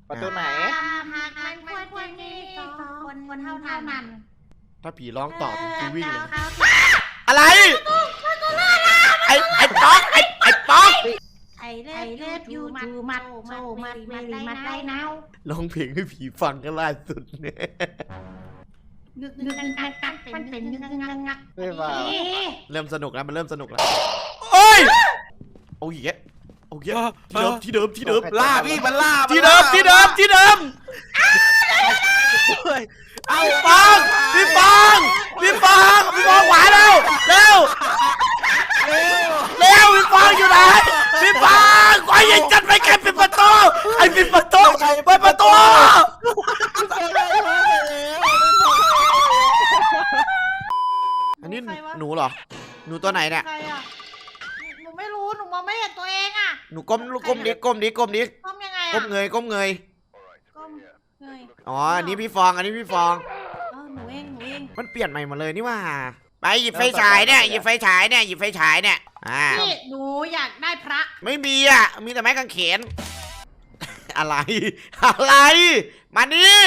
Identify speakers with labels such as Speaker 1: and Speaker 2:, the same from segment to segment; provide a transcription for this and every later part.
Speaker 1: ประตูไหน
Speaker 2: หากมันควรมีสองคนเท่านั้น
Speaker 3: ถ้าผีร้องตอบกูวิ่งเลย
Speaker 2: เขา
Speaker 3: อะไรไอ้ป๊อกไอ้ป๊อก
Speaker 2: ไอเล็บยูมัดโซมัดเวลีมัดได้นาว
Speaker 3: ร้องเพลงให้ผีฟังก็ล่าสุดเนี่ย
Speaker 2: นึกกักมันเป็นงัก
Speaker 1: ไม่ว่า
Speaker 3: เริ่มสนุกแล้วมันเริ่มสนุกแล้วโอ้ยโอ้ยแกโอ้ยที่เดิม
Speaker 4: ล่าพี่มันล่า
Speaker 3: ที่เดิมเอาพี่ฟองหวานแล้วเร็วพี่ฟองอยู่ไหนพี่ฟองไอ้ยังจัดไปแกปิดประตูไอ้ปิดประตูเปิดประตูอันนี้หนูเหรอหนูตัวไหนเนี่ย
Speaker 2: ใครอ่ะหนูไม่รู้หนูมองไม่เห็นตัวเองอ่ะ
Speaker 3: หนูก้มดิ
Speaker 2: ก้มยังไงอ่ะ
Speaker 3: ก้มเงย
Speaker 2: ก้มเงย
Speaker 3: อ๋ออันนี้พี่ฟอง
Speaker 2: หนูเอง
Speaker 3: มันเปลี่ยนใหม่หมดเลยนี่ว่าไปหยิบไฟฉายเนี่ยหยิบไฟฉายเนี่ย
Speaker 2: พี่หนูอยากได้พระ
Speaker 3: ไม่มีอ่ะมีแต่ไม้กางเขนอะไรมานี่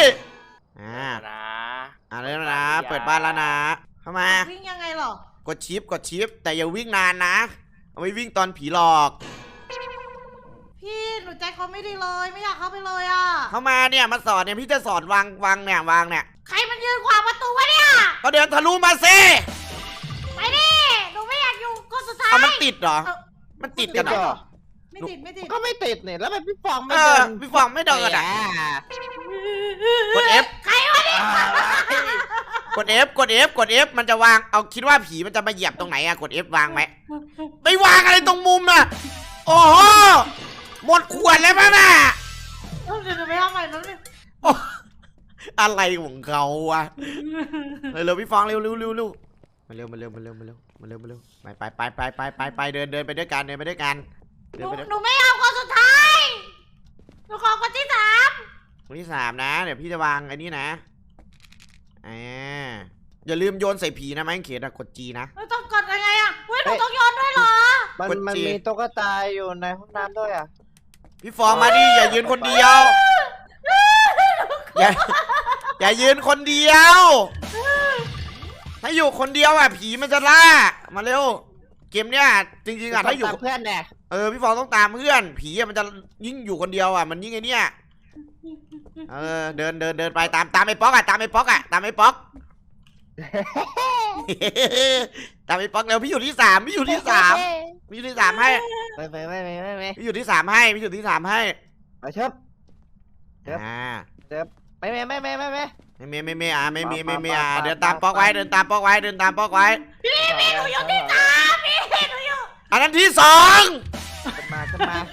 Speaker 3: แล้วนะเปิดบ้านแล้วนะเข้ามา
Speaker 2: วิ่งยังไงหรอก
Speaker 3: ดชิปแต่อย่าวิ่งนานนะเอาไว้วิ่งตอนผีหลอก
Speaker 2: พี่หนูใจเขาไม่ดีเลยไม่อยากเข้าไปเลยอ่ะ
Speaker 3: เข้ามาเนี่ยมาสอนเนี่ยพี่จะสอนวางเนี่ย
Speaker 2: ใครมันยืนขวางประตูวะเนี่ย
Speaker 3: ก็เดินทะลุมาสิ
Speaker 2: ไปดิหนูไม่อยากอยู่คนสุดท้าย
Speaker 3: เอามันติดเหรอมันติดกันเหรอ
Speaker 2: ไม่ติด
Speaker 1: ก็ไม่ติดเนี่ยแล้วมันพี่ฟองไม่
Speaker 3: เอ
Speaker 1: เดิ
Speaker 3: อน พี่ฟองไม่เดินอ่ะกด F
Speaker 2: ใครวะเนี่ย
Speaker 3: กด F มันจะวางเอาคิดว่าผีมันจะมาเหยียบตรงไหนอะกด F วางไหมไม่วางอะไรตรงมุมอะโอ้โหหมดขวดแล้วป่ะน่ะ
Speaker 2: เดี๋ยวไปทำใหม่แล้วเนี่ย
Speaker 3: โอ้อะไรของเขาวะเร็วพี่ฟองเร็วมาเร็วไปเดินไปด้วยกัน
Speaker 2: หนูไม่เอาคนสุดท้ายหนูขอคนที่สาม
Speaker 3: คนที่3นะเดี๋ยวพี่จะวางไอ้นี่นะอย่าลืมโยนใส่ผีนะไม้เขียนกด G นะ
Speaker 2: หนูต้องกดยังไงอ่ะเฮ้ยหนูต้องโยนด้วยเหรอ
Speaker 1: มันมีตุ๊กตาอยู่ในห้องน้ำด้วยอ่ะ
Speaker 3: พี่ฟองมาดิอย่ายืนคนเดียว อย่ายืนคนเดียว ถ้าอยู่คนเดียวอ่ะผีมันจะล่ามาเร็วเกมเนี้ยจริงๆอ่ะถ้าอยู่กับ
Speaker 1: เพื่อนเนี่ย
Speaker 3: พี่ฟองต้องตามเพื่อนผีอ่ะมันจะยิ่งอยู่คนเดียวอ่ะมันยิ่งไอ้เนี่ยเดินไปตามไอ้ป๊อกอ่ะตามไอ้ป๊อกเตามไอ้ป๊อกแล้วพี่อยู่ที่3ให้พี่อยู่ที่3ให้
Speaker 1: ไม่
Speaker 3: พี่อยู่ที่3ให้
Speaker 1: มาเชิบไม่
Speaker 3: เดินตามป๊อกไว้
Speaker 2: พี่หนูอยู่ที่สามพี่หนูอยู่
Speaker 3: อันนั้นที่2
Speaker 1: ขึ้นมา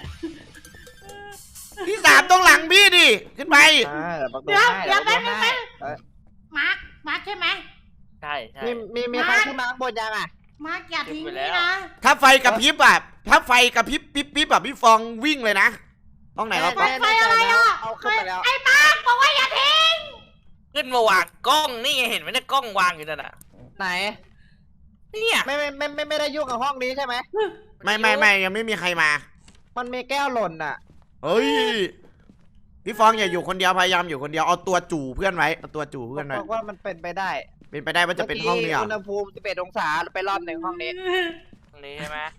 Speaker 3: ที่3ตรงหลังพี่ดิขึ้นไป
Speaker 2: เดี๋ยวแป๊บนึงมาร์คใช่ไหม
Speaker 4: ใช่
Speaker 1: มีใครขึ้นมาข้างบนยังอ่ะ
Speaker 2: มาร์คอย่าทิ้งนี่นะ
Speaker 3: ถ้าไฟกระพริบอ่ะปิ๊บแบบพี่ฟองวิ่งเลยนะห้องไหนวะป๊อก
Speaker 2: ไฟอะไรอ่ะ
Speaker 1: เอาขึ้นไปแล้ว
Speaker 2: ไอ้มาร์คบอกว่าอย่าทิ้ง
Speaker 4: ขึ้นมาวางกล้องนี่ไงเห็นไหมเนี่ยกล้องวางอยู่นั่นน่ะ
Speaker 1: ไหน
Speaker 4: เนี่ย
Speaker 1: ไม่ได้ยุ่งกับห้องนี้ใช่ไหม
Speaker 3: ไม่ยังไม่มีใครมา
Speaker 1: มันมีแก้วหล่นอ่ะ
Speaker 3: เฮ้ยพี่ฟองอย่าอยู่คนเดียวพยายามอยู่คนเดียวเอาตัวจู่เพื่อนไว้
Speaker 1: บอกว่ามันเป็นไปได้
Speaker 3: ว่าจะเป็นห้องนี้อ่ะ
Speaker 1: อุณหภูมิ11 องศาไปรอบหนึ่งห้องนี้
Speaker 4: ตรงนี้ใช่ไหม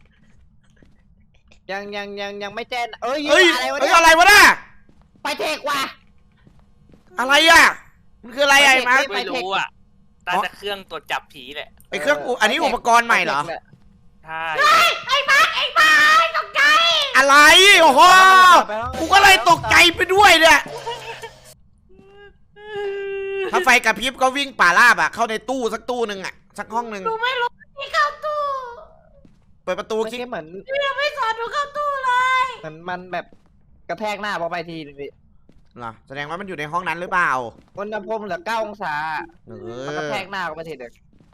Speaker 1: ยังไม่แจ้งเอ้ย
Speaker 3: อะไรวะน่ะ
Speaker 1: ไปเทคว่ะ
Speaker 3: อะไรอ่ะมันคืออะไรอ่ะมา
Speaker 4: ไม่รู้อ่ะแต่เครื่องตรวจจับผีแหละ
Speaker 3: ไอเครื่องอันนี้อุปกรณ์ใหม่เหรอ
Speaker 4: ใช่
Speaker 2: ไอ้มาร์คตกใจ
Speaker 3: อะไรโอ้โหกูก็เลยตกใจไปด้วยเนี่ยถ้าไฟกระพริบก็วิ่งป่าราบอ่ะเข้าในตู้สักตู้นึงอ่ะสักห้องนึง
Speaker 2: หนูไม่รู้ที่เข้าตู้
Speaker 3: เปิดประตู
Speaker 1: คิดเหมือน
Speaker 2: ยังไม่สอนหนูเข้าตู้เลย
Speaker 1: มันแบบกระแทกหน้าพอไปทีนึงดิ
Speaker 3: เหรอแสดงว่ามันอยู่ในห้องนั้นหรือเปล่า
Speaker 1: อุณหภูมิเหลือ9 องศามันกระแทกหน้าไปทีเดียว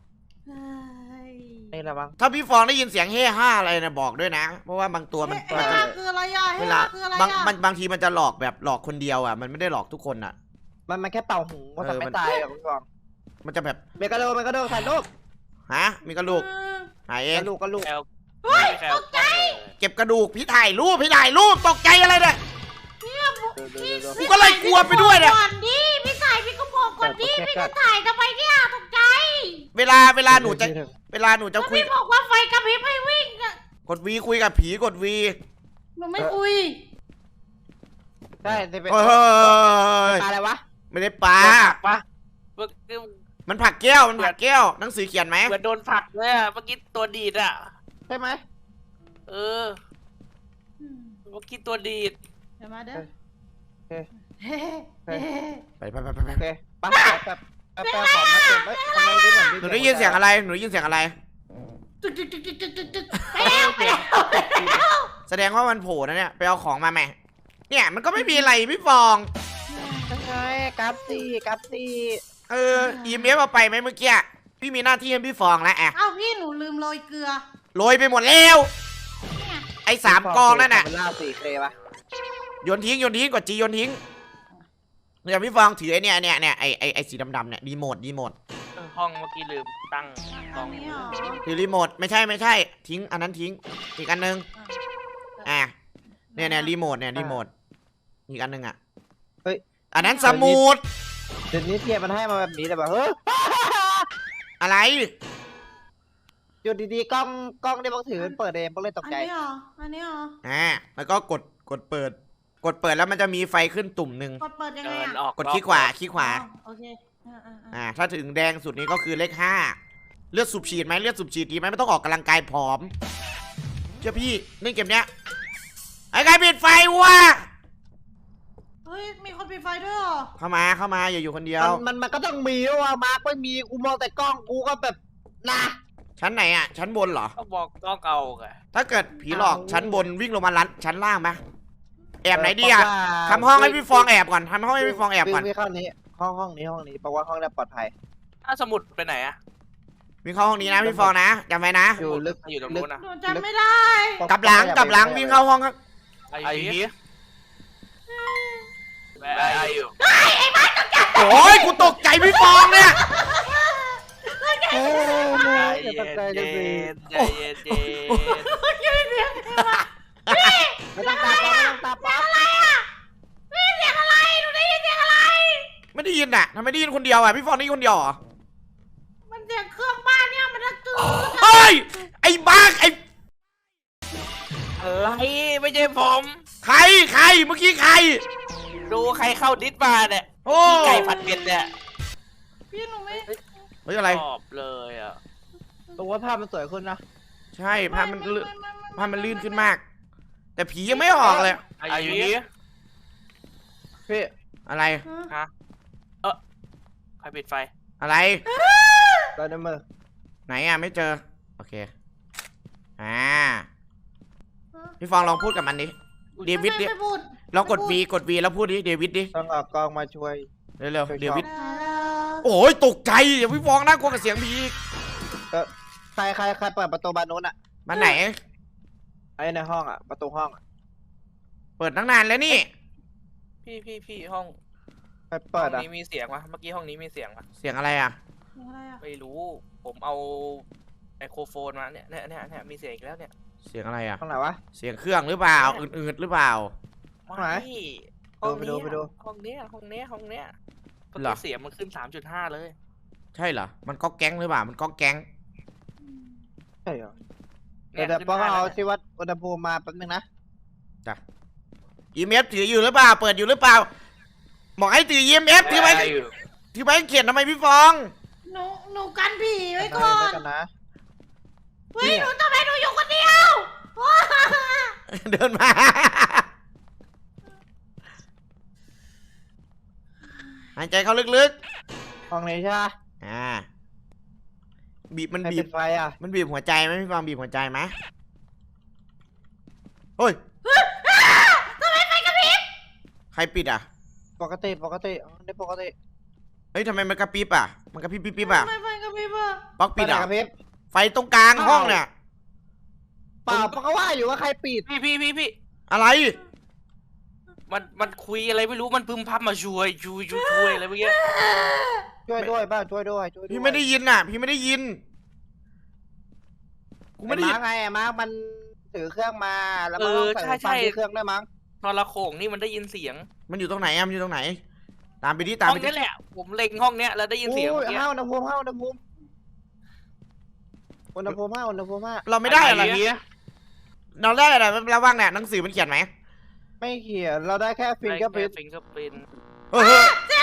Speaker 1: นี่แหละมั้ง
Speaker 3: ถ้าพี่ฟองได้ยินเสียงเฮ่ห้าอะไรนะบอกด้วยนะเพราะว่าบางตัวมัน
Speaker 2: คืออะไรอ่ะ
Speaker 3: เวลาบางทีมันจะหลอกแบบหลอกคนเดียวอ่ะมันไม่ได้หลอกทุกคนอ่ะ
Speaker 1: มันแค่เป่าหูก็ทำไม่ตายหรอกคุณกอง
Speaker 3: มันจะแบบ
Speaker 1: เมกะโดถ่ายรูป
Speaker 3: ฮะมีกระดูกหายเอง
Speaker 1: กระลูก
Speaker 2: เฮ้ยตกใจ
Speaker 3: เก็บกระดูกพี่ถ่ายรูปตกใจอะไรเนี่ย
Speaker 2: เนี่ยพี่
Speaker 3: กูก็เลยกลัวไปด้วยเนี่ย
Speaker 2: ก่อนดิพี่ถ่ายพี่ก็บอกก่อนดิพี่จะถ่ายทำไมเนี่ยตกใจ
Speaker 3: เวลาหนูจะ
Speaker 2: แล้ว
Speaker 3: คุย
Speaker 2: พี่บอกว่าไฟกระพริบให้วิ่งอะ
Speaker 3: กดวีคุยกับผีกดวี
Speaker 2: หนูไม่คุย
Speaker 1: ได้จะเป็น
Speaker 3: เฮ้ย
Speaker 1: ปลาอะไรวะ
Speaker 3: ไม่ได้ปลา
Speaker 4: ปะเมื่อ
Speaker 3: มันผลักแก้วมันผลักแก้วหนังสือเขียนไหม
Speaker 4: เหมือนโดนผลักเลยอะเมื่อกี้ตัวดีดอะ
Speaker 1: ใช่ไหม
Speaker 4: เออเมื่อกี้ตัวดีด
Speaker 2: เดี๋ยวมาเด้อ
Speaker 1: เฮ้ย
Speaker 2: เฮ้เฮ้
Speaker 3: ไป
Speaker 1: โอเคปะแบบของมาเก็บไว้ทำไมได้แบบ
Speaker 3: หนูได้ยินเสียงอะไรหนูได้ยินเสียงอะไร
Speaker 2: ตึกตึกตึกตึกตึกตึกตึกไปแล้วไปแล้วไปแล้ว
Speaker 3: แสดงว่ามันโผล่นะเนี่ยไปเอาของมาแม่เนี่ยมันก็ไม่มีอะไรพี่ฟอง
Speaker 1: ใช่กับซี่
Speaker 3: EMF เอาไปไหมเมื่อกี้พี่มีหน้าที่ให้พี่ฟองแล้วอะ
Speaker 2: เอ้าพี่หนูลืมโรยเกลือ
Speaker 3: โรยไปหมดแล้วไอ้3 กองนั่นน่ะ
Speaker 1: เป็นล่า4K ปะ
Speaker 3: โยนทิ้งกดจีโยนทิ้งเดี๋ยวพี่ฟองถือไอ้เนี่ยไอ้สีดำๆเนี่ยรีโมท
Speaker 4: ห้องเมื่อกี้ลืมตั้งกล้
Speaker 2: อั
Speaker 4: อน ง
Speaker 2: นี้เหรอ
Speaker 3: ถือรีโมทไม่ใช่ทิ้งอันนั้นทิ้งอีกอันนึงเนี่ยรีโมทอีกอันนึงอ่ะ
Speaker 1: เฮ้ย
Speaker 3: อันนั้นสมุด
Speaker 1: เดี๋ยวนี้เทียบมันให้มาแบบนี้แต่แบบเฮ้ย
Speaker 3: อะไร
Speaker 1: อยู่ดีๆกล้องได้บังถือเปิดเองก็เลยตก
Speaker 2: อัน
Speaker 1: ใจ
Speaker 2: นี้เหรออันนี้เหรอ
Speaker 3: แล้วก็กดเปิดแล้วมันจะมีไฟขึ้นตุ่มหนึ่ง
Speaker 2: กดเปิดยังไง
Speaker 4: เดิน
Speaker 2: อ่ะ
Speaker 4: ออก
Speaker 3: กดคลิกขวา
Speaker 2: โอเค
Speaker 3: ถ้าถึงแดงสุดนี้ก็คือเลข5เลือดสูบฉีดไหมเลือดสูบฉีดดีไหมไม่ต้องออกกำลังกายผอมเชื่อพี่เล่นเกมเนี้ยไอ้ใครปิดไฟวะ
Speaker 2: เฮ้ยมีคนปิดไฟด้วยเหรอ
Speaker 3: เข้ามาอย่าอยู่คนเดียว
Speaker 1: มันก็ต้องมีว่ามาร์กไม่มีกูมองแต่กล้องกูก็แบบนะ
Speaker 3: ชั้นไหนอ่ะชั้นบนเหรอ
Speaker 4: ก็บอกต้องเอาไง
Speaker 3: ถ้าเกิดผีหลอกชั้นบนวิ่งลงมาชั้นล่างไหมแอบไหนดีอ่ะทำห้องให้พี่ฟองแอบก่อนทำห้องให้พี่ฟองแอบก่อน
Speaker 1: วิ่งเข้านี้ห้องนี้เพราะว่าห้องนี้ปลอดภัย
Speaker 4: ถ้าสมุดไปไหนอะ
Speaker 3: วิ่งเข้าห้องนี้นะพี่ฟองนะจำไว้นะ
Speaker 1: อยู่ลึก
Speaker 4: อยู่ตรงนู้นนะ
Speaker 2: หนูจำไม่ได้
Speaker 3: กลับหลังวิ่งเข้าห้องข้าง
Speaker 4: ไอ้ผีไอ้อยู่
Speaker 3: โอ้ยกูตกใจพี่ฟองเนี่ย
Speaker 1: เฮ้
Speaker 4: ใจ
Speaker 1: ย
Speaker 4: เย็
Speaker 1: ตกใจ
Speaker 4: น
Speaker 1: เลย
Speaker 4: ใจเย็น
Speaker 2: ไม่ได้เสียงอะไร
Speaker 1: ไม่ต้องตาป๊อปไม่ต้องตาป๊อป
Speaker 2: ไม่ได้เสียงอะไรหนูได้ยินเสียงอะไร
Speaker 3: ไม่ได้ยินอ่ะทำไมได้ยินคนเดียวอ่ะพี่ฟองได้ยินคนเดียวเหรอ
Speaker 2: มันเสียงเครื่องบ้านเนี่ยมันดังตื่น
Speaker 3: เฮ้ยไอ้บ้าไอ้
Speaker 4: อะไรไม่ใช่ผม
Speaker 3: ใครเมื่อกี้ใคร
Speaker 4: ดูใครเข้าดิสมาเนี่ย
Speaker 3: โอ้
Speaker 4: พี่ไก่ผัดเผ็ดเนี่ย
Speaker 2: พี่หนูไม่
Speaker 3: เฮ้ยอะไร
Speaker 4: ชอบเลยอ่ะ
Speaker 1: ตัวว่าภาพมันสวยขึ้นนะ
Speaker 3: ใช่ภาพมันลื่นขึ้นมาก แต่ผียังไม่ออกเลย
Speaker 4: ไอ้ผี
Speaker 1: พี่
Speaker 3: อะไร
Speaker 4: ฮะใครปิดไฟ
Speaker 3: อะไร
Speaker 1: เราในมือ
Speaker 3: ไหนอ่ะไม่เจอโอเคพี่ฟองลองพูดกับมันดิเดวิดดิ
Speaker 2: ไม่พูด
Speaker 3: ลองกด V แล้วพูดดิเดวิดดิ
Speaker 1: ต้องเอากล้องมาช่วย
Speaker 3: เร็วๆเดวิด
Speaker 2: ฮัลโหล
Speaker 3: โอ้ยตกใจอย่าพี่ฟองน่ากลัวกับเสียงผีอีก
Speaker 1: ใครเปิดประตูบานนู้นอ่ะ
Speaker 3: มันไหน
Speaker 1: ไอ้ในห้องอ่ะประตูห้อง
Speaker 3: เปิดตั้งนานแล้วนี่
Speaker 4: พี่ห้อง
Speaker 1: ใครเปิด
Speaker 4: ห้อ
Speaker 1: อ่ะ
Speaker 4: งนี้มีเสียงวะเมื่อกี้ห้องนี้มีเสียงวะ
Speaker 3: เสียงอะไรอ่ะ
Speaker 2: อะไรอ่ะ
Speaker 4: ไม่รู้ ผมเอาไมโครโฟนมาเนี่ยมีเสียงอีกแล้วเนี่ย
Speaker 3: เสียงอะไรอ่ะ
Speaker 1: ห้องไหนวะ
Speaker 3: เสียงเครื่องหรือเปล่าอืดๆหรือเปล่า
Speaker 1: ห้องไหน
Speaker 4: ห้อง
Speaker 1: ไปดู
Speaker 4: ห้องเนี้ยเมื่อ
Speaker 3: เหรอ
Speaker 4: กี้เสียงมันขึ้น 3.5 เลย
Speaker 3: ใช่เหรอมันก็แก๊งหรือเปล่ามันก็แก๊ง
Speaker 1: ใช่เหรอ
Speaker 4: นี่ย
Speaker 1: เดี๋ยว
Speaker 4: ขึ้น
Speaker 1: ป้อง
Speaker 4: 5
Speaker 1: เอา
Speaker 4: แล้ว
Speaker 1: ที่วัดอุณหภูมิมาแป๊บนึงนะ
Speaker 3: EMF ถืออยู่หรือเปล่าเปิดอยู่หรือเปล่าบอกให้ถือ EMF ถือไว้
Speaker 4: ได้อยู่
Speaker 3: ถือไว้เขียนทำไมพี่ฟอง
Speaker 2: หนูกันผีไว้ก่อน
Speaker 1: กันนะ
Speaker 2: เฮ้ยหนูทำไมหนูอยู่คนเดียว
Speaker 3: เดินมาหายใจเข้าลึก
Speaker 1: ห้องนี้ใช่ไหม
Speaker 3: บีบมัน
Speaker 1: ใคร
Speaker 3: บี
Speaker 1: ปิ
Speaker 3: บ
Speaker 1: ดไฟอ่ะ
Speaker 3: มันบีบหัวใจไหมพี่ฟองบีบหัวใจไหมเฮ้ย
Speaker 2: ทำไมไฟกระพริบ
Speaker 3: ใครปิดอ่ะ
Speaker 1: ปกติได้ปกติ
Speaker 3: เฮ้ยทำไมมันกระพริบอ่ะมันกระพริบปิ๊บอ่ะ
Speaker 2: ทำไมไฟกระพริบอ่ะ
Speaker 3: ป๊อกปิดอ่ะ
Speaker 1: กระพริบ
Speaker 3: ไฟตรงกลางห้องเนี่ย
Speaker 1: เปล่าเพราะว่าอยู่ว่าใครปิด
Speaker 4: พี่
Speaker 3: อะไร
Speaker 4: มันคุยอะไรไม่รู้มันพึมพำมาช่วยอะไรเมื่อกี้
Speaker 1: ช่วยด้วยบ้างช่วยด้วย
Speaker 3: พี่ไม่ได้ยินอ่ะ พี่ไม่ได้ยินกู
Speaker 1: ไม่
Speaker 3: ไม่
Speaker 1: ได้
Speaker 3: ได้ยิน
Speaker 1: ไงมาร์กมันถือเครื่องมาแล้วมันต้องใส่ไฟที่เครื่องได้มั้ง
Speaker 4: ทรโขงนี่มันได้ยินเสียง
Speaker 3: มันอยู่ตรงไหนอะมันอยู่ตรงไหน ตามไปดิตาม
Speaker 4: ห้อ
Speaker 3: ไป
Speaker 4: ง
Speaker 3: ดิ
Speaker 4: นี้แหละ ผมเล็งห้องเนี้ยแล้วได้ยินเสียง
Speaker 1: โอ้
Speaker 4: เมื่อกี้
Speaker 1: ห้าอุณหภูมิห้าอุณหภูมิอุณหภูมิห้าอุณหภูมิห้า
Speaker 3: เราไม่ได้อะไร
Speaker 4: เนี้ย
Speaker 3: เราได้อะไรระวังเนี่ยหนังสือมันเขียนไหม
Speaker 1: ไม่เขียนเราได้แค่ฟิงเกอร์พิ้น
Speaker 4: ฟิงเกอร์พิ้น
Speaker 3: เฮ้ย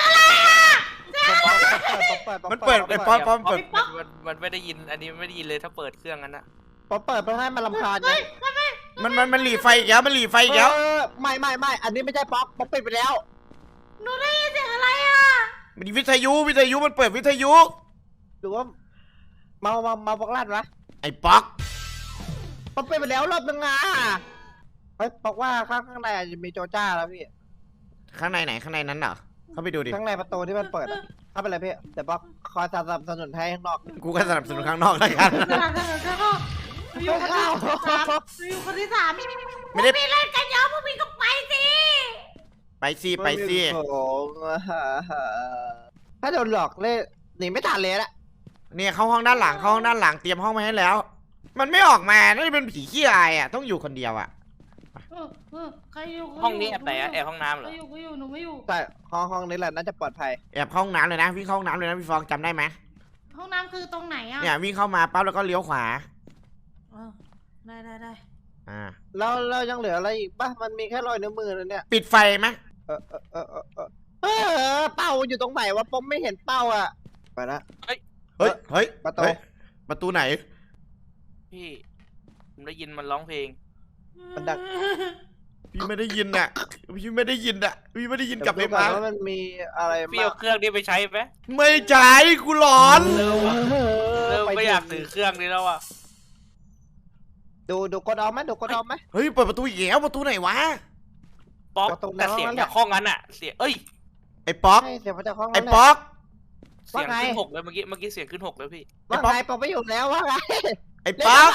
Speaker 3: มันเปิดไอ้ป๊อปป๊อปเปิด
Speaker 4: มันไม่ได้ยิน อันนี้ไม่ได้ยินเลยถ้าเปิดเครื่องนั้นนะ
Speaker 1: ป๊อปเปิดเพื่อให้มันรำคาญไง
Speaker 3: มันหลีไฟอีกแล้วมันหลีไฟอีกแล้ว
Speaker 1: ไม่อันนี้ไม่ใช่ป๊อปปิดไปแล้ว
Speaker 2: หนูได้ยินเสียงอะไรอ่ะ
Speaker 3: มันวิทยุมันเปิดวิทยุ
Speaker 1: หรือว่าเมาบอกลั่นวะ
Speaker 3: ไอ้ป๊อก
Speaker 1: ป๊อปปิดไปแล้วรอบนึงอ่ะเฮ้ยบอกว่าข้างในอาจจะมีโจจ้าแล้วพี่
Speaker 3: ข้างในไหนข้างในนั้นเหรอเข้าไปดูดิ
Speaker 1: ข้างในประตูที่มันเปิดอะเข้าไปเลยพี่แต่ป๊อปคอยสนับสนุนให้ข้างนอก
Speaker 3: กูก็สนับสนุนข้างนอกแล้วกัน
Speaker 2: สลับกันก็อยู่คนที่สามอยู่คนที่สาม
Speaker 3: ไม่ได้
Speaker 2: พวกพี่เล่นกันเยอะพวกพี่ก็ไปสิ
Speaker 3: ไปสิ
Speaker 1: โอ้โหถ้าโดนหลอกเล่นหนีไม่ทันเลยละ
Speaker 3: เนี่ยเข้าห้องด้านหลังเตรียมห้องมาให้แล้ว มันไม่ออกมาน่าจะเป็นผีขี้อายอ่ะต้องอยู่คนเดียวอ่ะ
Speaker 2: ใครอยู่
Speaker 4: ห้องนี้แอบแต่แอบห้องน้ำเหรอ
Speaker 2: กูอยู่หนูไม่อยู่
Speaker 1: แต่ห้องนี้แหละน่าจะปลอดภัย
Speaker 3: แอบเข้าห้องน้ำเลยนะวิ่งเข้าห้องน้ำเลยนะพี่ฟองจำได้ไหม
Speaker 2: ห้องน้ำคือตรงไหนอ่ะ
Speaker 3: เนี่ยวิ่งเข้ามาปั๊บแล้วก็เลี้ยวขวา
Speaker 2: ได้
Speaker 3: อ่า
Speaker 1: แล้วเรายังเหลืออะไรอีกป่ะมันมีแค่รอยนิ้วมือเลยเนี่ย
Speaker 3: ปิดไฟไหม
Speaker 1: เป้าอยู่ตรงไหนวะผมไม่เห็นเป้าอ่ะไปละ
Speaker 3: เฮ้ย
Speaker 1: ประตู
Speaker 3: เฮ้ยประตูไหน
Speaker 4: พี่ ผมได้ยินมันร้องเพลง
Speaker 1: มันดัง
Speaker 3: พี่ไม่ได้ยินอ่ะพี่ไม่ได้ยินกลับไป
Speaker 1: ดูก่
Speaker 3: มา
Speaker 1: อนว่ามันมีอะไร
Speaker 4: พี่เอาเครื่องนี้ไปใช้ไหม
Speaker 3: ไม่ใช่กูหลอน
Speaker 4: เริ่มไม่อยากถือเครื่องนี้แล้วอ่ะ
Speaker 1: ดูกดออมไหมดูกดออมไหม
Speaker 3: เฮ้ยเปิดประตูอีกแล้วประตูไหนวะ
Speaker 4: ป๊อก
Speaker 1: ประตู
Speaker 4: แต่เสียง
Speaker 1: นั่นแหละ
Speaker 4: จากห้องนั้นอ่ะ เสียง เอ้ย
Speaker 3: ไอ้ป๊อก
Speaker 1: ใช่เสียงมาจากห้อง
Speaker 3: ไอ้
Speaker 1: นั้นแหละ
Speaker 3: ป๊อก
Speaker 4: เสียง
Speaker 1: ว่าไง
Speaker 4: ขึ้น 6เลยเมื่อกี้เสียงขึ้น 6เลยพี่
Speaker 1: ว่าไงผมไม่อยู่แล้วว่าไง
Speaker 3: ไอ้ป๊อก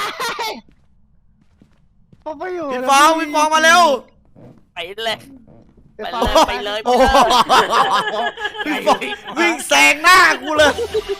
Speaker 1: ผมไม่อยู่
Speaker 3: พี่ฟองมาเร็ว
Speaker 4: ไปเลย ไปเลย
Speaker 3: โอ้โหพี่ฟองวิ่งแซงหน้ากูเลย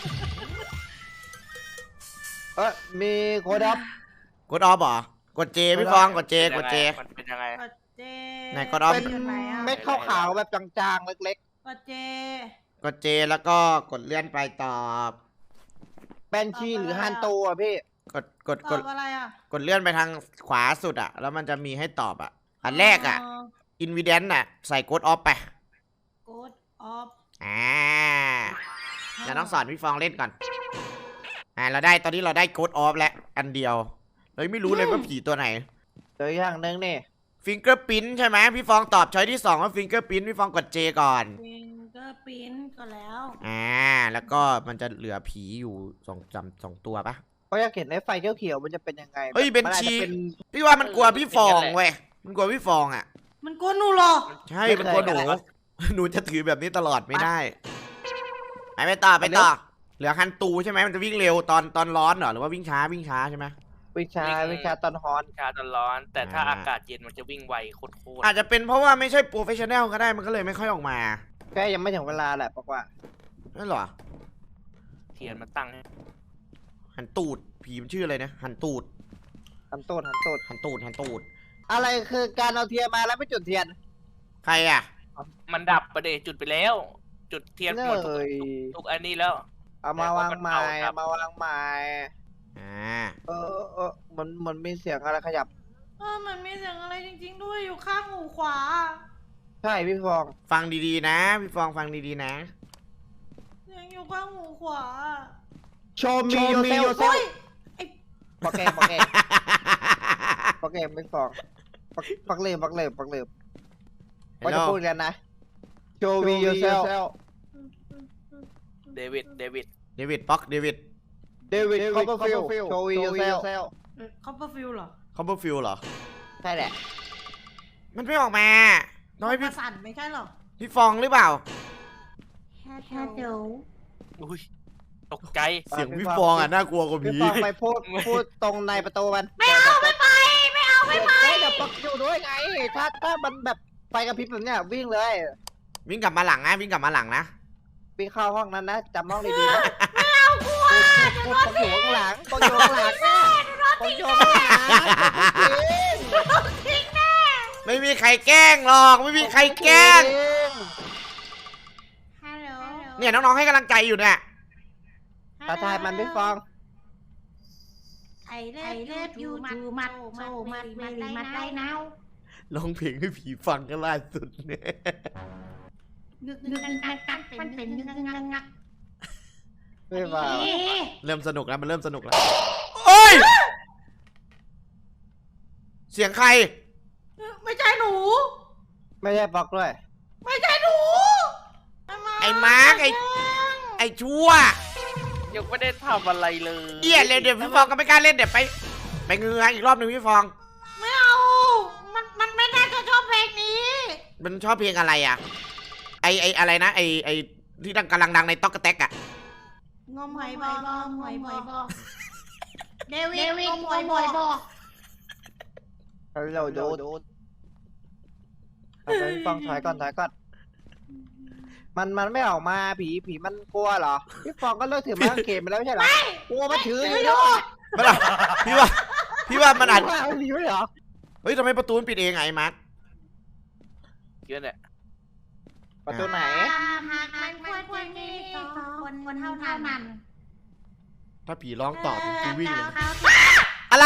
Speaker 1: มีโคดออฟ
Speaker 3: กดออฟเหรอกดเจพี่ฟองกดเจ
Speaker 4: มันเป็นยังไง
Speaker 2: กดเจ
Speaker 3: ไหนกดออฟ
Speaker 1: เป็นเม็ดขาวๆแบบจางๆเล็ก
Speaker 2: กดเจ
Speaker 3: กดเจแล้วก็กดเลื่อนไปตอบ
Speaker 1: ๆเป็นชีหรือฮันโตอ่ะพี่
Speaker 3: กด
Speaker 2: ตอบอะไรอ่ะ
Speaker 3: กดเลื่อนไปทางขวาสุดอ่ะ แล้วมันจะมีให้ตอบอ่ะ อันแรกอ่ะ อินวิเดนต์อ่ะ ใส่กดออฟไป
Speaker 2: กดออฟ
Speaker 3: เดี๋ยวต้องสอนพี่ฟองเล่นก่อน เราได้ตอนนี้เราได้กดออฟแล้วอันเดียวเราไม่รู้เลยว่าผีตัวไหน
Speaker 1: เดี๋ยวอย่างหนึงนี่
Speaker 3: ฟิงเกอร์พิ้นใช่ไหมพี่ฟองตอบช้อยที่2ว่าฟิงเกอร์พิ้นพี่ฟองกดเจก่อน
Speaker 2: ฟิงเกอร์ปิ้นก็แล้ว
Speaker 3: แล้วก็มันจะเหลือผีอยู่สองตัวปะ
Speaker 1: เพราะอยากเห็นไอ้ไฟเขียวๆมันจะเป็นยังไง
Speaker 3: เฮ้ยเป็น
Speaker 1: มัอาจ
Speaker 3: ชี
Speaker 1: จะเป็น
Speaker 3: พี่ว่ามันกลัวพี่ฟองเว้ยมันกลัวพี่ฟองอ่ะ
Speaker 2: มันกลัวหนูเหรอ
Speaker 3: ใช่มันกลัวหนู หนูจะถือแบบนี้ตลอดไม่ได้ ไปต่อเหลือฮันตูใช่ไหมมันจะวิ่งเร็วตอนร้อนเหรอหรือว่าวิ่งช้าใช่ไหม
Speaker 1: วิชาตอนฮอน
Speaker 4: ชาตอนร้อน แต่ถ้าอากาศเย็นมันจะวิ่งไวโคตร
Speaker 3: อาจจะเป็นเพราะว่าไม่ใช่โปรเฟชชั่นแนลก็ได้มันก็เลยไม่ค่อยออกมา
Speaker 1: แค่ยังไม่ถึงเวลาแหละบอกว่า
Speaker 3: นั่นเหรอ
Speaker 4: เทียนมันตั้งให้
Speaker 3: หันตูดผีมันชื่ออะไรนะหันตูด
Speaker 1: หันตูด
Speaker 3: อะไร
Speaker 1: คือการเอาเทียนมาแล้วไม่จุดเทียน
Speaker 3: ใครอ่ะ
Speaker 4: มันดับประเดี๋ยวจุดไปแล้ว จุดเทียนหมด
Speaker 1: เลย
Speaker 4: ทุกอันนี้แล้ว
Speaker 1: เอามาวางไม้
Speaker 4: แต่ว่ามันเก่าครับ
Speaker 1: มาวางไม้ มันมีเสียงอะไรขยับ
Speaker 2: มันมีเสียงอะไรจริงๆด้วยอยู่ข้างหูขวา
Speaker 1: ใช่พี่ฟอง
Speaker 3: ฟังดีๆนะพี่ฟองฟังดีๆนะ
Speaker 2: เสียงอยู่ข้างหูขวา
Speaker 1: โชว์มีโยเซล
Speaker 2: เฮ้ย
Speaker 1: ปักเกมพี่ฟองปักเลิมว่าจะพูดกันนะโชว์มีโยเซล
Speaker 4: เดวิด
Speaker 3: เดวิดป๊อกเดวิด
Speaker 1: เดวิดคอปเปอร์ฟิลโชว์มีโยเซล
Speaker 2: คอปเปอร์ฟิลเหรอ
Speaker 3: คอมเบอร์ฟิลเหรอ
Speaker 1: ใช่แหละ
Speaker 3: มันไม่ออกมาน้อย
Speaker 2: ประสั่นไม่ใช่เหรอ
Speaker 3: พี่ฟองหรือเปล่า
Speaker 2: ฮัลโหล
Speaker 4: อุ้ยตกใจ
Speaker 3: เสียงพี่ฟองอ่ะน่ากลัวกว่า
Speaker 1: พี่
Speaker 3: ผี
Speaker 1: ฟองไปพูดตรงในประตูมัน
Speaker 2: ไม่เอาไม่ไป
Speaker 1: เดี๋ยวปักอยู่ด้วยไงถ้ามันแบบไฟกระพริบแบบเนี้ยวิ่งเลย
Speaker 3: วิ่งกลับมาหลังนะวิ่งกลับมาหลังนะ
Speaker 1: วิ่งเข้าห้องนั้นนะจำห้องดีๆนะไม่เอากลัวปักอยู่ข้างหลังปักอยู่ข้างหลังนะปักอยู่ข้างหลัง
Speaker 2: ทิ้งแน่
Speaker 3: ไม่มีใครแกล้งหรอกไม่มีใครแกล้ง
Speaker 2: ฮัลโหล
Speaker 3: เนี่ยน้องๆให้กำลังใจอยู่เนี่ย
Speaker 1: ตาทายมันพี่ฟอง
Speaker 2: ไอเลิฟยูทูมัดโซมัดเวลีมัดได้นาว
Speaker 3: ร้องเพลงให้ผีฟังกันล่าสุดเนี่ย
Speaker 2: นึกกักมันเป็นงัก
Speaker 1: ไม่ว่า
Speaker 3: เริ่มสนุกแล้วมันเริ่มสนุกแล้วโอ้ยเสียงใคร
Speaker 2: ไม่ใช่หนู
Speaker 1: ไม่ใช่ฟอกด้วย
Speaker 2: ไม่ใช่หนู
Speaker 3: ไอ้มาร์คไอ้ชั่ว
Speaker 4: ยังไม่ได้ทำอะไรเลย
Speaker 3: เอี้ยเลยเดี๋ยวพี่ฟองก็ไม่กล้าเล่นเดี๋ยวไปเงืออีกรอบหนึ่งพี่ฟอง
Speaker 2: ไม่เอามันไม่น่าจะชอบเพลงนี้
Speaker 3: มันชอบเพลงอะไรอ่ะไออะไรนะไอที่กำลังดังในต๊อกกะแตกอ่ะ
Speaker 2: งมหอยบเดวิดงมหอยบอ
Speaker 1: เราโดนเอาไปพี่ฟองถอยก่อนมันไม่ออกมาผีมันกลัวเหรอพี่ฟองก็เลิกถือไม้กางเขนไปแล้วไม่ใช่เหรอกลัวมันถืออยู่ด้วย
Speaker 3: มันอะพี่ว่ามันอาจ
Speaker 1: ผีไม่เหรอ
Speaker 3: เฮ้ยทำไมประตูมันปิดเองไงมาร์ค
Speaker 4: เยอะเนี่ย
Speaker 1: ประตูไหน
Speaker 2: หากมันควรมีสองคนเท่านั้น
Speaker 3: ถ้าผีร้องตอบกูวิ่งเลย
Speaker 2: เขา
Speaker 3: อะไร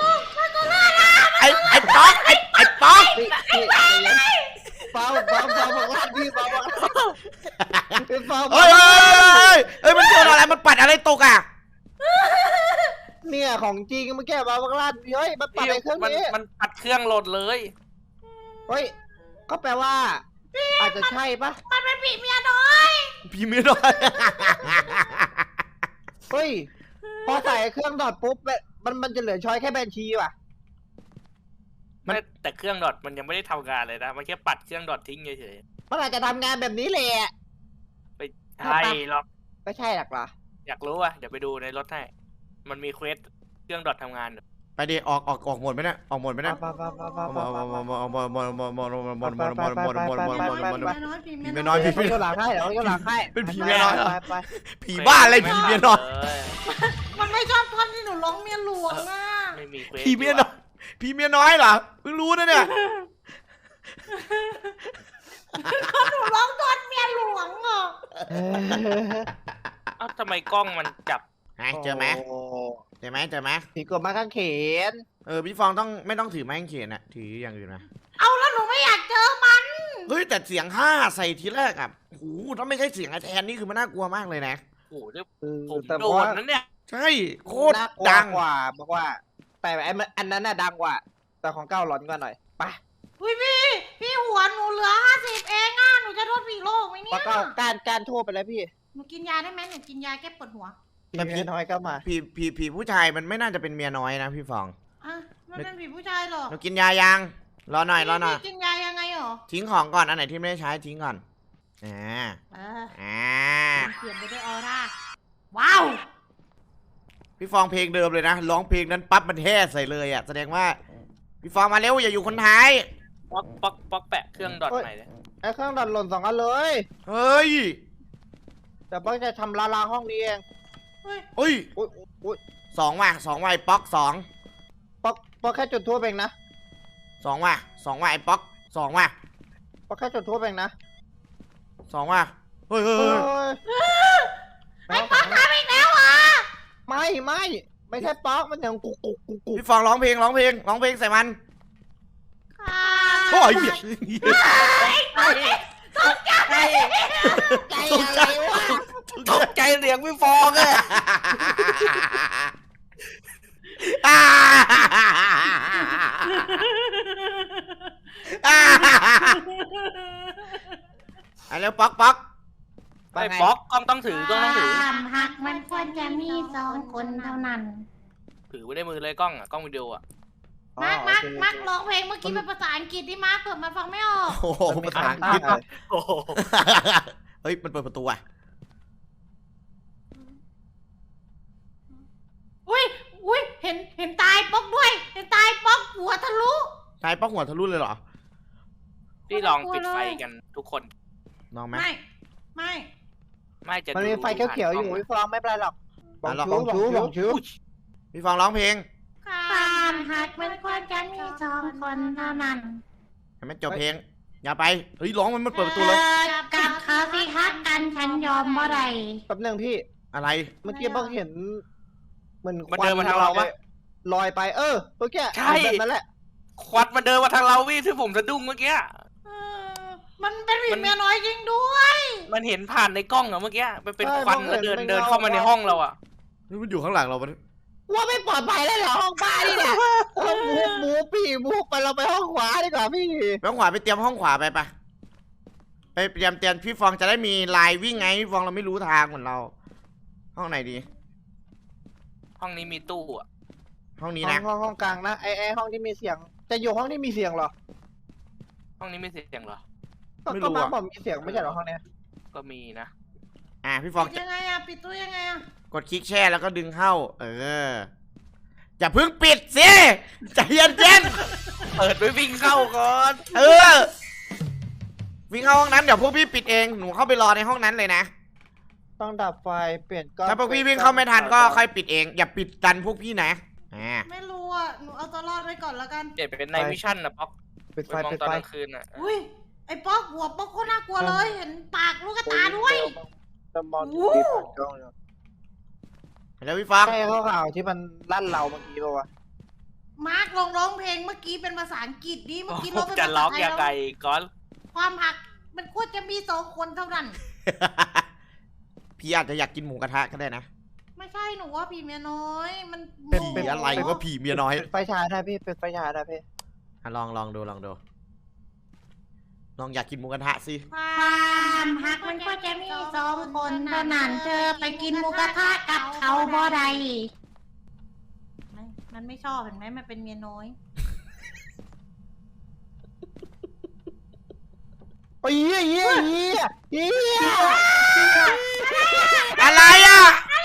Speaker 3: ไอ้ป๊อกไอ้ป๊อก
Speaker 1: พี่เบาบอกว่าพี่เบาบอกพี่ฟอง
Speaker 3: เฮ้ยมันโดนอะไรมันปัดอะไรตกอ่ะ
Speaker 1: เนี่ยของจริงเมื่อกี้เบาบอกว่าเฮ้ยมันปัดไอ้เครื่องนี้
Speaker 4: มันปัดเครื่องโหลดเลย
Speaker 1: เฮ้ยก็แปลว่าอาจจะใช่ปะ
Speaker 2: มันเป็นผีเมียน้อย
Speaker 3: พี่ไม่ได้
Speaker 1: เฮ้ยพอใส่เครื่องดอดปุ๊บมันจะเหลือช้อยแค่แบนชีว่ะ
Speaker 4: แต่เครื่องดอทมันยังไม่ได้ทำงานเลยนะมันแค่ปัดเครื่องดอททิ้งเฉย
Speaker 1: มันอาจจะทำงานแบบนี้แหละ
Speaker 4: ๆไปใช่หรอก
Speaker 1: ไม่ใช่หรอกเหรอ
Speaker 4: อยากรู้อ่ะเดี๋ยวไปดูในรถให้มันมีเควสเครื่องดอททำงานอยู่
Speaker 3: ไปดิออกหมดไหมเนี่ยออกหมดไหมเนี่ยผีเมียน้อยผี
Speaker 1: ไปหลังให้เดี๋ยวหลังให้
Speaker 3: เป็นผีเมียน้อยเหรอ
Speaker 1: ไป
Speaker 3: ผีบ้าอะไรผีเมียน้อย
Speaker 2: มันไม่ชอบท่อนที่หนูร้องเมียหลวงอ่ะ
Speaker 4: ไม่มีเควส
Speaker 3: ผีเมียน้อยผีเมียน้อยเหรอเพิ่งรู้นะเนี่ย
Speaker 2: หนูร้องท่อนเมียหลวงอ่ะ
Speaker 4: เอ้าทำไมกล้องมันจับ
Speaker 3: เจอไหมเจอไหม
Speaker 1: ผีกดมาข้างเขน
Speaker 3: พี่ฟองไม่ต้องถือไม้กางเขนอะถืออย่างอื่นนะ
Speaker 2: เอาแล้วหนูไม่อยากเจอมัน
Speaker 3: เฮ้ยแต่เสียงห้าใส่ทีแรกอะโอ้โหถ้าไม่ใช่เสียงไอแทนนี่คือมันน่ากลัวมากเลยนะ
Speaker 4: โอ้โหเนี่ยผม
Speaker 1: แต่
Speaker 4: โด
Speaker 1: ว่าน
Speaker 4: นั้นเนี่ย
Speaker 3: ใช่โคตร
Speaker 1: น่ากลัว
Speaker 3: ดัง
Speaker 1: กว่าบอกว่า แต่อันนั้นน่ะดังกว่า แต่ของเก้าหลอนกว่าหน่อยไป
Speaker 2: อุ้ยพี่หัวหนูเหลือ50เองอ่ะหนูจะโทษผีโลกไหมเนี่
Speaker 1: ปะ
Speaker 2: ย
Speaker 1: เก้าการโทษไปแล้วพี่
Speaker 2: หนูกินยาได้ไหมหนูกินยาแก้ปวดหัว
Speaker 1: ผีน้อยก็มา
Speaker 3: ผีผู้ชายมันไม่น่าจะเป็นเมียน้อยนะพี่ฟอง
Speaker 2: อ่ะมันเป็นผีผู้ชายเหรอ
Speaker 3: เรากินยายังรอหน่อย
Speaker 2: พี่กินยายังไงเหรอ
Speaker 3: ทิ้งของก่อนอันไหนที่ไม่ได้ใช้ทิ้งก่อน
Speaker 2: เออ เปลี่ยนไปด้วยออร่าว้าว
Speaker 3: พี่ฟองเพลงเดิมเลยนะร้องเพลงนั้นปั๊บมันแห่ใส่เลยอะแสดงว่าพี่ฟองมาเร็วอย่าอยู่คนท้าย
Speaker 4: ป๊อกแปะเครื่องดอทใหม่เลย
Speaker 1: ไอ้เครื่องดันหล่น2 อันเลย
Speaker 3: เฮ้ย
Speaker 1: แต่ป้องจะทำลาห้องนี้เอง
Speaker 2: เฮ้ย
Speaker 3: เฮ้ย
Speaker 1: อุ้ย
Speaker 3: สองว่ะไอ้ป๊อกสอง
Speaker 1: ป๊อกแค่จุดทั่วเองนะ
Speaker 3: สองว่ะไอ้ป๊อกสองว่ะ
Speaker 1: ป๊อกแค่จุดทั่วเองนะ
Speaker 3: สองว่ะเฮ้ย
Speaker 2: ไอ้ป๊อกทำอีกแล้วเหรอ
Speaker 1: ไม่ใช่ป๊อกมันอย่างกุก
Speaker 3: พี่ฟองร้องเพลงใส่มันโอ้ย
Speaker 1: ใจอะไรวะ
Speaker 4: ตกใจเสียงพี่ฟองเลย
Speaker 3: ไอ้เร็วป๊อก
Speaker 4: ไอ้ป๊อกกล้องต้องถือ
Speaker 2: หักมันควรจะมี2 คนเท่านั้น
Speaker 4: ถือไว้ในมือเลยกล้องกล้องวิดีโออ่ะ
Speaker 2: มาร์คร้องเพลงเมื่อกี้เป็นภาษาอังกฤษดิมาร์คเผื่อมันฟังไม่ออก
Speaker 3: โอ้โหภาษาอังกฤษ
Speaker 4: โอ้โห
Speaker 3: เฮ้ยมันเปิดประตูอ่ะ
Speaker 2: อุ้ยเห็นตายป๊อกด้วยเห็นตายป๊อกหัวทะลุ
Speaker 3: ตายป๊อกหัวทะลุเลยเหรอ
Speaker 4: พี่ลองปิดไฟกันทุกคน
Speaker 3: ลองไหม
Speaker 2: ไม่
Speaker 4: จะ
Speaker 1: มันมีไฟเขียวๆอยู่พี่ฟองไม่เป็นไรหรอกบอกชู
Speaker 3: พี่ฟองร้องเพลง
Speaker 2: ความหักมันควรจะมี2 คนเท่านั้น
Speaker 3: ให้มันจบเพลงอย่าไปเฮ้ยร้องมันเปิดประตูเลย
Speaker 2: กับเขาสิฮักกันฉันยอมบ่ได้
Speaker 1: แป๊บนึงพี่
Speaker 3: อะไร
Speaker 1: เมื่อกี้เพิ่งเห็นเหมือน
Speaker 4: มันเดินมาทางเราปะ
Speaker 1: ลอยไปเมื่อกี้
Speaker 4: ใช่
Speaker 1: แบบนั้นแหละ
Speaker 4: ควัดมันเดินมาทางเราพี่ที่ผมสะดุ้งเมื่อกี้
Speaker 2: มันเป็นผีเมียน้อยจริงด้วย
Speaker 4: มันเห็นผ่านในกล้องอะเมื่อกี้มันเป็นควันแล้วเดินเข้ามาในห้องเราอะ
Speaker 3: เฮ้ยมันอยู่ข้างหลังเราปะ
Speaker 1: ว่าไม่ปลอดภัยแล้วเหรอห้องบ้านนี่เนี่ยหมูพี่หมูไปเราไปห้องขวาดีกว่าพี่
Speaker 3: ไปห้องขวาไปเตรียมห้องขวาไปปะไปเตรียมพี่ฟองจะได้มีลายวิ่งไงพี่ฟองเราไม่รู้ทางเหมือนเรา ห้องไหนดี
Speaker 4: ห้องนี้มีตู้อะ
Speaker 3: ห้องนี้นะ
Speaker 1: ห้องกลางนะไอห้องที่มีเสียง จะอยู่ห้องที่มีเสียงเหรอ
Speaker 4: ห้องนี้ไม่เสียงเหรอ
Speaker 1: ก็มาบอกมีเสียงไม่ใช่เหรอห้องเนี้ย
Speaker 4: ก็มีนะ
Speaker 3: พี่ฟอง
Speaker 2: ปิดยังไงอะปิดตู้ยังไงอะ
Speaker 3: กดคลิกแช่แล้วก็ดึงเข้า อย่าเพิ่งปิดสิใจเย็น
Speaker 4: เปิดไปวิ่งเข้าก่อน
Speaker 3: วิ่งเข้าห้องนั้นเดี๋ยวพวกพี่ปิดเองหนูเข้าไปรอในห้องนั้นเลยนะ
Speaker 1: ต้องดับไฟเปลี่ยนกล้อง
Speaker 3: ถ้าพวกพี่วิ่งเข้าไม่ทันก็ค่อยปิดเองอย่าปิดดันพวกพี่นะ
Speaker 2: ไม่รู้อะหนูเอาตัวรอดไว้ก่อนแล้วกัน
Speaker 4: เปลี่ยนเป็นในวิชั่นนะป๊อก
Speaker 1: ปิด
Speaker 4: ไป
Speaker 1: ไฟ
Speaker 4: มอง
Speaker 1: ปิด
Speaker 4: ตอน
Speaker 1: ไฟ
Speaker 4: กลางคืนอะ
Speaker 2: อุ้ยไอ้ป๊อกหัวป๊อกโคตรน่ากลัวเลยเห็นปากลูกตาด้วย
Speaker 1: จะมองดูดีผ่านกล้องอยู่
Speaker 3: แล้วพี่ฟอง
Speaker 1: ใช่ข้าวที่มันลั่นเราเมื่อกี้ป่าวะ
Speaker 2: มาร์กลองร้องเพลงเมื่อกี้เป็นภาษาอังกฤษดิเมื่อกี้ร้องเป็น
Speaker 4: จะ
Speaker 2: ภา
Speaker 4: ล็
Speaker 2: ษา
Speaker 4: อก
Speaker 2: ไทย
Speaker 4: ยังไง
Speaker 2: แล้ว
Speaker 4: ก่อน
Speaker 2: ความหักมันควรจะมี2 คนเท่านั้น
Speaker 3: พี่อาจจะอยากกินหมูกระทะก็ได้นะ
Speaker 2: ไม่ใช่หนูว่าผีเมียน้อยมัน
Speaker 3: เป็นผีอะไรว่าผีเมียน้อย
Speaker 1: ปิดไฟฉายได้พี่ปิดไฟฉายได้พี่
Speaker 3: ลองดูลองอยากกินหมูกระทะสิ
Speaker 2: ความหักมันก็จะมี2 คนเท่านั้นเธอไปกินหมูกระทะกับเขาบ่ได้มันไม่ชอบเห็นไหมมันเป็นเมียน้อย
Speaker 1: โอ้ยเฮีย
Speaker 3: อะไรอ่ะ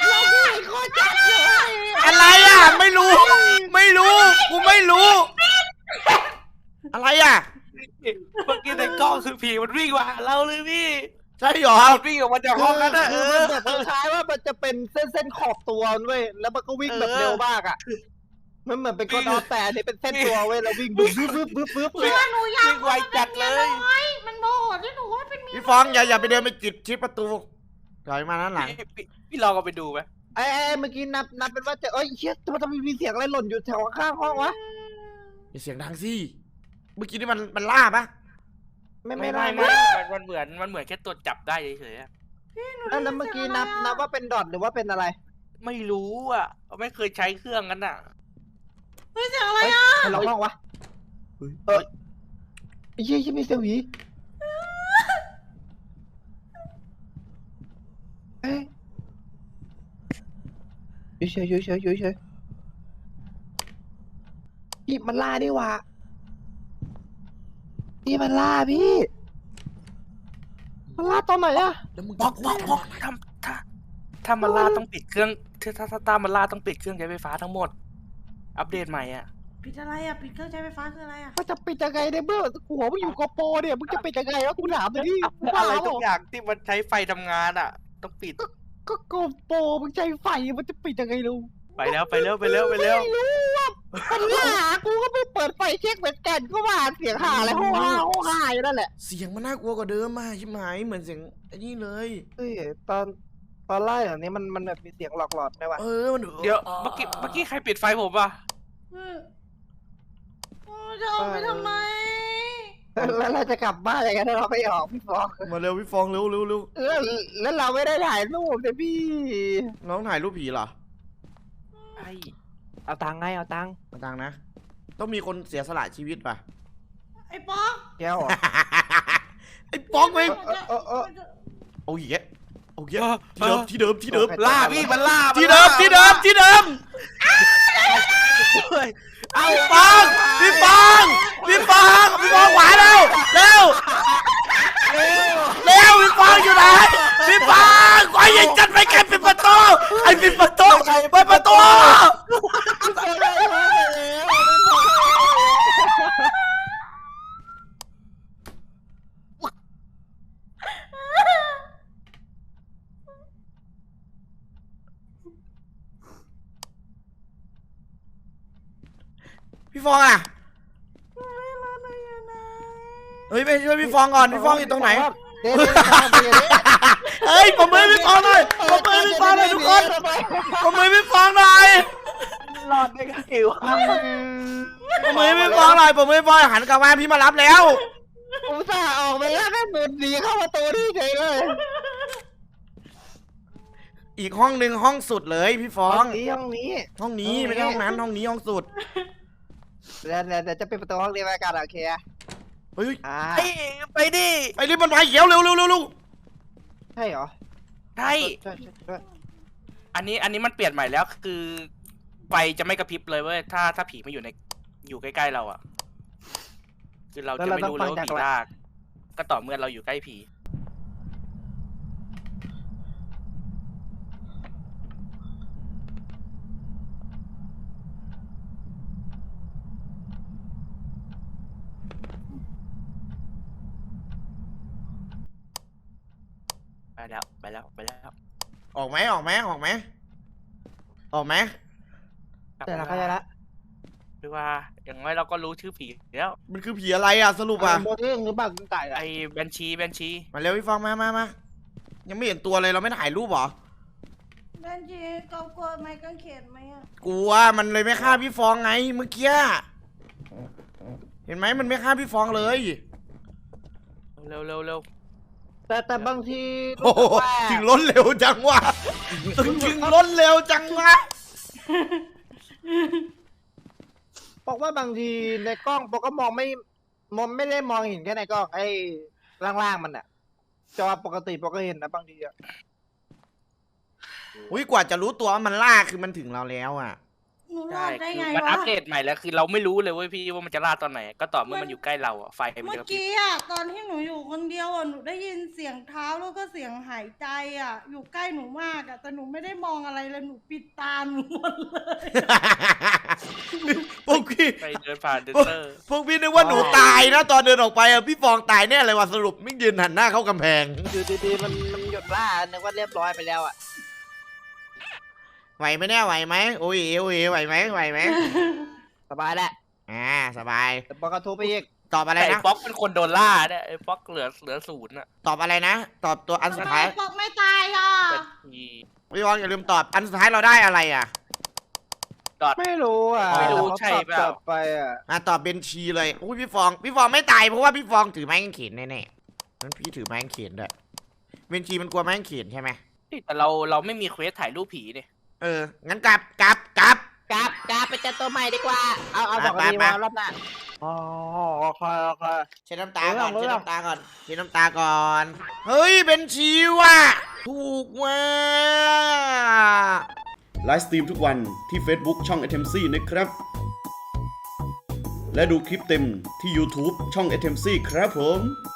Speaker 3: อะไรอ่ะ ไม่รู้ กูไม่รู้ อะไรอ่ะ
Speaker 4: เมื่อกี้ในกล้องคือผีมันวิ่งมาหาเราเลยพี่
Speaker 3: ใช่หรอ
Speaker 4: มันวิ่งออกมาจากห้องนั้นอะ
Speaker 1: คือมันแบบคล้ายๆว่ามันจะเป็นเส้นขอบตัวเว้ยแล้วมันก็วิ่งแบบเร็วมากอ่ะมันเหมือนเป็นกระดอนแต่นี่เป็นเส้นตัวเว้ยแล้ววิ่งบึ้บเลย
Speaker 2: หนูอยาก
Speaker 4: วิ่งไวจัดเลย
Speaker 2: มันโมโหที่หนูว่าเป็นเมีย
Speaker 3: พี่ฟองอย่าไปเดินไปจิบชิดประตูถอยมาด้านหลัง
Speaker 4: พี่ลองเอาไปดูไหม
Speaker 1: ไอ้เมื่อกี้นับเป็นว่าจะเชี่ยทำไมมีเสียงอะไรหล่นอยู่แถวข้างห้องวะ
Speaker 3: อย่าเสียงดังสิ เมื่อกี้นี่มันล่าปะ
Speaker 1: ไม่ได้
Speaker 4: มันเหมือนแค่ตัวจับได้เฉยๆอะ
Speaker 1: แล้วเมื่อกี้นับว่าเป็นดอทหรือว่าเป็นอะไร
Speaker 4: ไม่รู้อ่ะไม่เคยใช้เครื่องกันอ่ะ
Speaker 2: เฮ้ยเสียงอะไร
Speaker 1: เฮ้ย
Speaker 2: อ่ะ
Speaker 1: ใครร้องห้องวะไอ้เชี่ยมีเสียงหวีเฮ้ยเฉยพี่มันล่าดิวะพี่มันล่าพี่มันล่าตอนไหนอะ
Speaker 3: แล้วมึง
Speaker 4: บอกถ้ามาล่าต้องปิดเครื่องถ้ามาล่าต้องปิดเครื่องใช้ไฟฟ้าทั้งหมด อัปเดตใหม่อ่ะ
Speaker 2: ปิดอะไรอ่ะปิดเครื่องใช้ไฟฟ้าคืออะไรอ่ะ
Speaker 1: มันจะปิดยังไงเนี่ยเมื่อหัวมึงอยู่กโปรเนี่ยมึงจะปิดยังไงวะกูถามเลยดิ
Speaker 4: อะไรทุกอย่างที่มันใช้ไฟทำงานอ่ะ ต้องปิด
Speaker 1: ก็โกโปรมึงใจไฟมันจะปิดยังไงลูก
Speaker 4: ไปแล้ว
Speaker 1: ไม่รู้ว่าปัญหากูก็ไม่เปิดไฟเช็คเหมือนกันก็ว่าเสียงห่าอะไรห้องห่าอยู่นั่นแหละ
Speaker 3: เสียงมันน่ากลัวกว่าเดิมมากชิบหายเหมือนเสียงไอ้นี่เลย
Speaker 1: เฮ้ยตอนไล่แบบนี้มันแบบมีเสียงหลอกหลอนไหมวะ
Speaker 3: มัน
Speaker 4: เดี๋ยวเมื่อกี้ใครปิดไฟผมอ่ะ
Speaker 2: จะออกไปทำไม
Speaker 1: แล้วเราจะกลับบ้านยังไงถ้าเราไม่ออกพี่ฟอง
Speaker 3: มาเร็วพี่ฟองเร็ว
Speaker 1: แล้วเราไม่ได้ถ่ายรูปเลยพี่
Speaker 3: น้องถ่ายรูปผีเหรอ
Speaker 1: เอาตังค์ไงเอาตังค์
Speaker 3: มาตังนะ ต้องมีคนเสียสละชีวิตป่ะ
Speaker 2: ไอ้ป๊อก
Speaker 1: แก้วเหรอ
Speaker 3: ไอ้ป๊อกไป
Speaker 1: เออ
Speaker 3: เอาอีกแล้วเอาอีกแล้วที่เดิม
Speaker 4: ล่าพี่มันล่า
Speaker 3: ที่เดิมเอาพี่ฟองขวาเร็วพี่ฟองอยู่ไหนพี่ฟองขอยิงจัดไปใครปิดประตูเปิดประตูพี่ฟองอ่ะเฮ้ยไปช่วยพี่ฟองก่อนพี่ฟองอยู่ตรงไหน
Speaker 1: เดี๋ยว
Speaker 3: เฮ้ยผมมือพี่ฟองหน่อยผมมือพี่ฟองหน่อยทุกคนผมมือพี่ฟองหน่อย
Speaker 1: รอดได้ไงวะ
Speaker 3: ผมมือพี่ฟองหน่อยผมมือพี่ฟองหันกลับมาพี่มารับแล้ว
Speaker 1: ผมจะออกไปแล้วแม่หมุนหนีเข้าประตูนี่เฉยเลย
Speaker 3: อีกห้องหนึ่งห้องสุดเลยพี่ฟอง
Speaker 1: ห้องนี้
Speaker 3: ห้องนี้ไม่ใช่ห้องนั้นห้องนี้ห้องสุด
Speaker 1: เดี๋ยวจะเป็นประตูห้องนี้ไว้กันโอเค
Speaker 3: เฮ้ย
Speaker 4: ไปดิ
Speaker 3: ไอ้นี่มันไฟเขียวเร็วเร็วเร็วเร็ว
Speaker 1: ใช่เหรอ
Speaker 4: ใช่
Speaker 1: ใช่
Speaker 4: อันนี้มันเปลี่ยนใหม่แล้วคือไฟจะไม่กระพริบเลยเว้ยถ้าผีมาอยู่ใกล้ๆเราอ่ะคือเราจะไม่รู้เลยว่าผีลากก็ต่อเมื่อเราอยู่ใกล้ผีไปแล้ว
Speaker 3: ออกไหมออกไหมออกไหมออกไหม
Speaker 1: แต่ละเข้าใจละ
Speaker 4: คือว่าอย่างน้อยเราก็รู้ชื่อผีแล้ว
Speaker 3: มันคือผีอะไรอ่ะสรุปอ่ะ
Speaker 1: โมเดลหรือบังไก่
Speaker 4: ไอ้แบนชี
Speaker 3: มาเร็วพี่ฟองมายังไม่เห็นตัวเลยเราไม่ถ่ายรูปหรอ
Speaker 2: แบนจีกลัวไม้กางเขนไหมอ่ะ
Speaker 3: กลัวมันเลยไม่ฆ่าพี่ฟองไงเมื่อกี้เห็นไหมมันไม่ฆ่าพี่ฟองเลย
Speaker 4: เร็ว
Speaker 1: แต่บางที
Speaker 3: โอ้โหถึงล้นเร็วจังวะถึงล้นเร็วจังวะ
Speaker 1: บอกว่าบางทีในกล้องปกก็มองไม่ได้มองเห็นแค่ในกล้องไอ้ล่างๆมันอะจอปกติปกก็เห็นนะบางทีอะ
Speaker 3: อุ้ยกว่าจะรู้ตัวว่ามันล่าคือมันถึงเราแล้วอ่ะ
Speaker 2: หนูร
Speaker 4: ใช่
Speaker 2: อดได้
Speaker 4: คือ
Speaker 2: ไง
Speaker 4: มัน
Speaker 2: วะ
Speaker 4: อัปเดตใหม่แล้วคือเราไม่รู้เลยเว้ยพี่ว่ามันจะล่าตอนไหน ก็ต่อเมื่อมันอยู่ใกล้เราอ่ะไฟมัน
Speaker 2: เมื่อ
Speaker 4: จะกระพริบ
Speaker 2: กี้อ่ะตอนที่หนูอยู่คนเดียวอ่ะหนูได้ยินเสียงเท้าแล้วก็เสียงหายใจอ่ะ อยู่ใกล้หนูมากอ่ะแต่หนูไม่ได้มองอะไรเลยหนูปิดตาหนูหมดเลย
Speaker 3: พวกพี่
Speaker 4: ไปเดินผ่านเดนเตอร์
Speaker 3: พวกพี่นึกว่าหนูตายนะตอนเดินออกไปอ่ะพี่ฟองตายแน่เลยว่ะสรุปไม่ยืนหันหน้าเข้ากำแพง
Speaker 1: อยู่ดีๆมันหยุดล่านึกว่าเรียบร้อยไปแล้วอะ
Speaker 3: ไหวไหมเนี่ยไหวไหมโอ้ยไหวไหม
Speaker 1: สบายแหละ
Speaker 3: สบาย
Speaker 1: แต่ปกก็ทุบไปอีก
Speaker 3: ตอบอะไร
Speaker 4: แต่ไอ้
Speaker 3: นะ
Speaker 4: ป๊อกเป็นคนโดนล่าเนี่ยไอ้ป๊อกเหลือศูนย์อ่ะ
Speaker 3: ตอบอะไรนะ ตอบตัวอันสุดท้าย
Speaker 2: ปอกไม่ตายอ่ะ
Speaker 4: เป็นที
Speaker 3: พี่ฟองอย่าลืมตอบอันสุดท้ายเราได้อะไรอ่ะ
Speaker 1: ไม่รู้อะ
Speaker 4: ไม่รู้
Speaker 1: แต่
Speaker 4: ใช่
Speaker 1: เขา
Speaker 4: เปล่า
Speaker 1: ตอบไปอะ
Speaker 3: ตอบเบนชีเลยโอ้ยพี่ฟองไม่ตายเพราะว่าพี่ฟองถือไม้กางเขนแน่ๆงั้นพี่ถือไม้กางเขนด้วยเบนชีมันกลัวไม้กางเขนใช่ไหม
Speaker 4: แต่เราไม่มีเควสถ่ายรูปผีเนี่ย
Speaker 3: งั้นกลับ
Speaker 1: กราบไปเจอตัวใหม่ดีกว่าเอาสองนาทีมารอบหน้าอ๋อโอเค
Speaker 3: เช็ดน้ำตาก่อน
Speaker 1: รู้
Speaker 3: เช็ด
Speaker 1: แล้ว
Speaker 3: น้ำตาก่อนเช็ดน้ำตาก่อน เฮ้ยเป็นชีว่ะถูกว่ะ
Speaker 5: ไลฟ์สตรีมทุกวันที่ Facebook ช่อง a t e m c นะครับ และดูคลิปเต็มที่ YouTube ช่อง a t e m c ครับผม